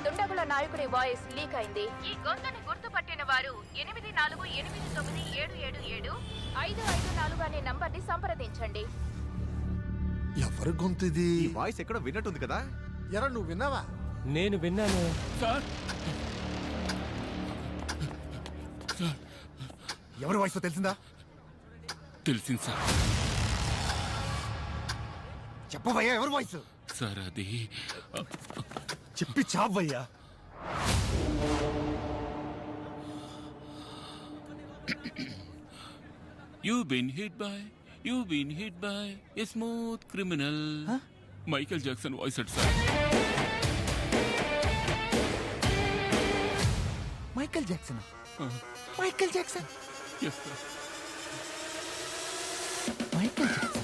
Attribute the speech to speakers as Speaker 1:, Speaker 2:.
Speaker 1: దుండగుల నాయకుడి voice leak అయింది. ఈ గొంతుని గుర్తుపట్టిన వారు 8489777554 అనే నంబర్ని సంప్రదించండి.
Speaker 2: ఎవరి గొంతు ఇది?
Speaker 3: ఈ వాయిస్ ఎక్కడో విన్నట్టుంది కదా.
Speaker 2: ఎరా నువ్వు విన్నావా?
Speaker 4: నేను విన్నాను
Speaker 5: సార్.
Speaker 3: ఎవరి వాయిస్ తెలిసిందా?
Speaker 5: తెలిసింది సార్.
Speaker 3: చెప్పవయ్యా ఎవరి వాయిస్?
Speaker 5: సార్ అది
Speaker 3: చెప్పి చావయ్యా.
Speaker 5: You've been hit by a smooth criminal. Michael Jackson voice అట్ sir.
Speaker 3: Michael Jackson. Michael Jackson.
Speaker 5: Yes sir.
Speaker 3: Michael Jackson.